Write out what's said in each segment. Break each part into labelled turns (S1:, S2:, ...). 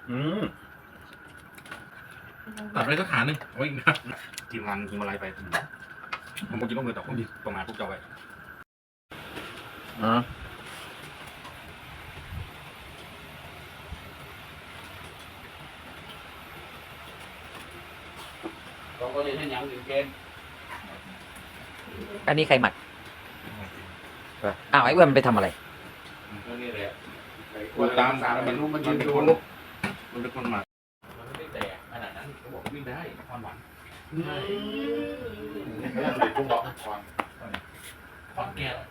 S1: ตัดไปสักขาหนึ่งโอ้ยทีมงานทีมอะไรไปผมกินต้องมือต่อผมประมาณพวกเจ้าไปเราก็เลยให้ยังอยู่เกณฑ์
S2: อันนี้ใครหมักอ้าวไอ้อ้วนมันไปทำอะไร
S1: นี่แหละตามมันเป็นคนหมักมันไม่แตกขนาดนั้นเขาบอกวิ่งได้ความหวานผมบอกคอนแกน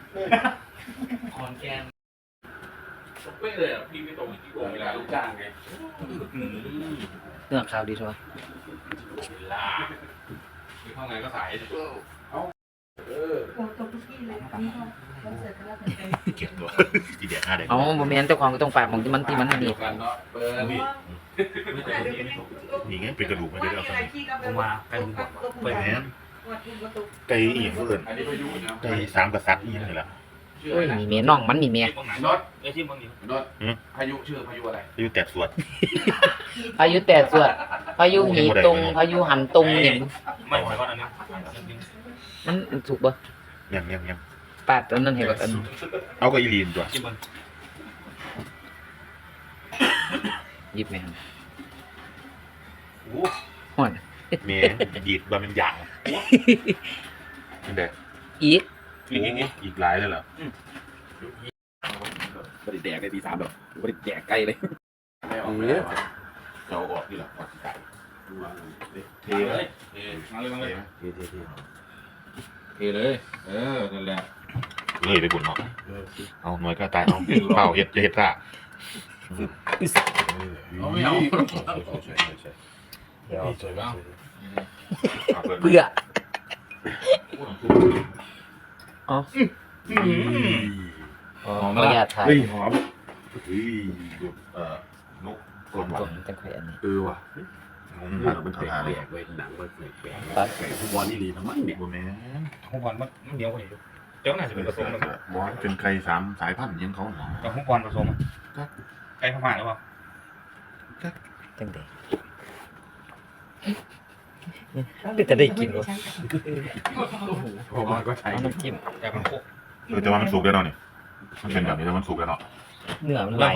S1: เป๊ะเลยอ่ะพี่ไม่ตรงที่โกงเวลาลูกจ้างไง
S2: เรื่องข่าวดีใช่ไหม
S1: เวลามีข้างในก็สาย
S3: โอ้ตัวพี่เลยนี่ก็คอนเสิร์ตก็แล้วแต่
S1: เก็บตัวทีเดียว5 เดือน
S2: อ๋อโมเมนต์เจ้าของก็ต้องฝากของที่มันดี
S1: นี่นี่ไงเป็นกระดูกมาเดี๋ยวเอา
S4: ผมว่าไก่หมู
S1: ไปแหนไก่เอียงเพื่อนไก่3 กษัตริย์อีกนี่แหละ
S2: โอ้ยมีเมียน้องมันมีเมีย
S4: นดไอ้ที่มึงนี่นดพายุชื่อพายุอะไร
S1: พายุแตกสวด
S2: พายุแต่สวดพายุหีตุงพายุหันตุงเนี่ย
S4: ไม่หมายว่าอันนี้
S2: มันถูกป่ะ
S1: ยัง
S2: ปาดอันนั้นเห็นป่ะอัน
S1: เอาก็อีลีนตัว
S2: หยิบไหมครับ
S1: โอ้
S2: ห่อน
S1: เมียดีดบะเป็นอย่างนี่เด็กอีกหลายเลยเหรอบริแดกได้ตี 3แบบบริแดกไกลเลยจะออกนี่แหละออกไก่เทเลยมาเลยเทเลยนั่นแหละเลยไปบุญเนาะเอาหน่วยก็ตายเอาเปล่าเห็ดจะเห็ดซ่าไม่เอาสวยบ้าง
S2: เบื่ออ๋อไม่อยากถ่าย
S1: หอมนก
S2: กลมๆจังไข่อันนี้
S1: ว่ะมันแปลกเว้ยหนังมันแปลกไก่ทุกวันนี่ดีทั้งมันเนี่ยแม่
S4: ทุกวันมันเดียวกันอยู่เจ้าน่าจะเป็นผสมกัน
S1: บอสเป็นไก่3 สายพันธุ์ยังเขา
S4: กับทุกวันผสมไก่พม่าหรือเปล่า
S2: จังเด็กจะได้กินวะ
S1: ผมก็ใช้
S2: น้ำจิ้ม
S4: แต่มันโค
S1: แต่ว่ามันสุกแล้วเนาะนี่มันเป็นแบบนี้แล้วมันสุกแล้วเนาะ
S2: เนื้อมันไหล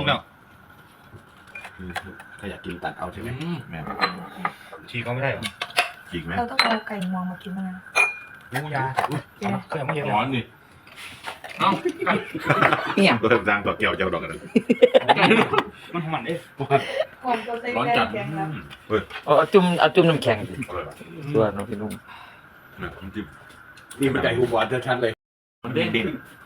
S1: ถ้าอยากกินตัดเอาใช่ไหมแม่
S4: ฉีกเขาไม่ได้หรอ
S1: ฉีกไหม
S3: เราต้องเอาไก่งวงมากินนะ
S4: มูยาเคยไม่เยอะ
S1: ร้อนนี่
S4: เอ้า
S2: เนี่ย
S1: ตัวต่างตัวเกี่ยวเจ้าดอกกัน
S4: มันของมันเอ๊ะ
S1: ร้อนจัด
S2: เอาจุ่มน้ำแข็งส่วนน้องพี่นุ่ม
S1: นี่มันไก่หูบอลชัดๆเลยมันเด้ง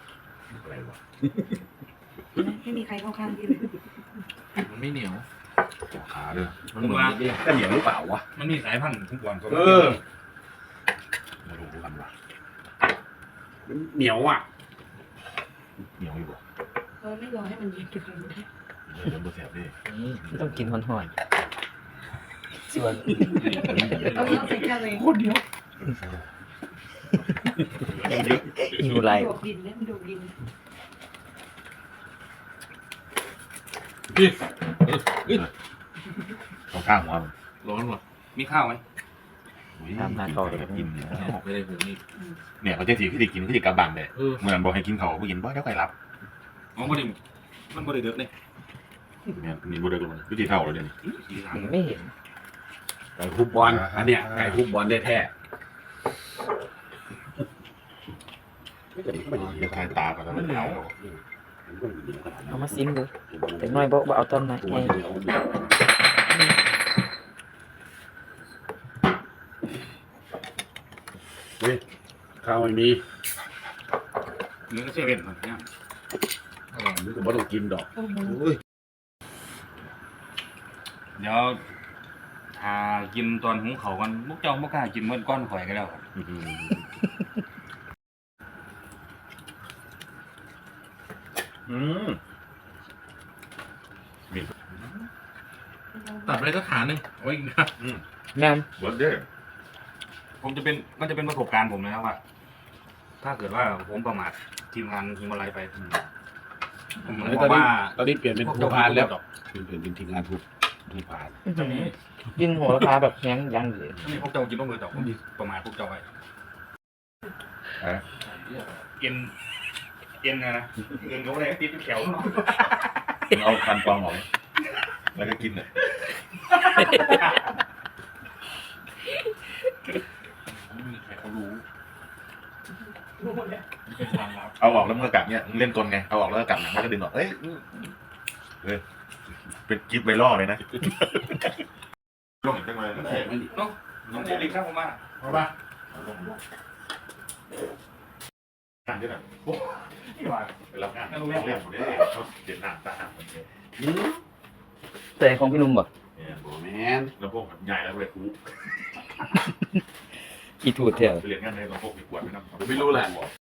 S3: ไม่มีใครเข้าข้างพี่เลย
S1: มันไม่เหนียวขาเลย
S4: มันเหมือน
S1: ก็เหนียวหรือเปล่าวะ
S4: มันมีสายพันธุ์ทุกวันก็
S1: มาดูกันว่ะ
S4: เหนียวอ่ะ
S1: เหนียวอยู่บ่
S3: เราไม่รอให้มันเย็นกันเลย
S1: เดี๋ยวเสียบดิ
S2: ต้องกินห่อนๆส่วน
S3: เอาใส่กันเลย
S4: คนเดียว
S2: อยู่ไร
S3: ดูดินเนี่ยมันดูดิน
S1: เอาข้างหัว
S4: ร้อนว่ะมีข้าวไหม
S2: ทำหน้าเขาเลย
S1: กินไม่ได้ผมนี่เนี่ยเขาจะถีบที่กินที่กระบังเลยเหมือนบอกให้กินเขาไม่กินบ่เดี๋ยวใครรับ
S4: มันบ่ได้เดือดเลย
S1: เนี่ยมีบ่ได้กันวิธีเท่าเลยเนี่ย
S2: ไม่เห็น
S1: ไก่ฮุบบอลอันเนี้ยไก่ฮุบบอลได้แท้ไม่ทายตาก่อนแล้วมัน
S2: เอามาซิมดูแต่น้อยบอกว่าเอาตอนไหน
S1: ข้าวไม่มี
S4: เนื้อเซเว่นมันเนี่ย
S1: นึกว่าต้องกินดอก
S4: เดี๋ยวกินตอนหุงเขากันมุกเจ้ามุกกล้ากินเมื่อก้อนข่อยกันแล้ว
S1: ตัดไปสักขาหนึ่งโอ้ย
S2: งาม
S1: หมดเด้อ
S4: มันจะเป็นประสบการณ์ผมนะครับว่าถ้าเกิดว่าผมประมาททีมงานทีมอะไรไปผมบอกว่า
S1: ตอนนี้เปลี่ยนเป็นผู้พานแล้วเปลี่ยนเป็นทีมงานผู้มีผ่าน
S2: กินโหระพาแบบแห้งยังเลย
S4: นี่พวกเจ้ากินต้องมือต่อผมประมาทพวกเจ้าไว้เอ็นนะเอ็นเขาอะไรติดแขวเนาะ
S1: เอาคันฟองออกแล้วก็กินเลยไม่มีใครเขารู้เอาออกแล้วมันก็กลับเนี่ยเล่นกลไงเอาออกแล้วก็กลับหนังแล้วก็ดึงออกเอ้ยเป็นกิฟต์ไวรัลเลยนะลงอีกจังเลย
S4: น้องเจลิกครับผมมา
S1: เอาป่ะงานด้วยนะ
S4: นี่ว่า
S1: ไปรับงานเรียกผมได้เขาเจ็ดหนักตาหักเหมือนกัน
S2: แต่ของพี่นุ่มบ่
S1: เนี่ยโบแมนแล้วพวกใหญ่แล้วเลยคู
S2: กี่ถูดแถว
S1: ไปเรียนงานในลำโพงมีขวดไหมครับไม่รู้แหละ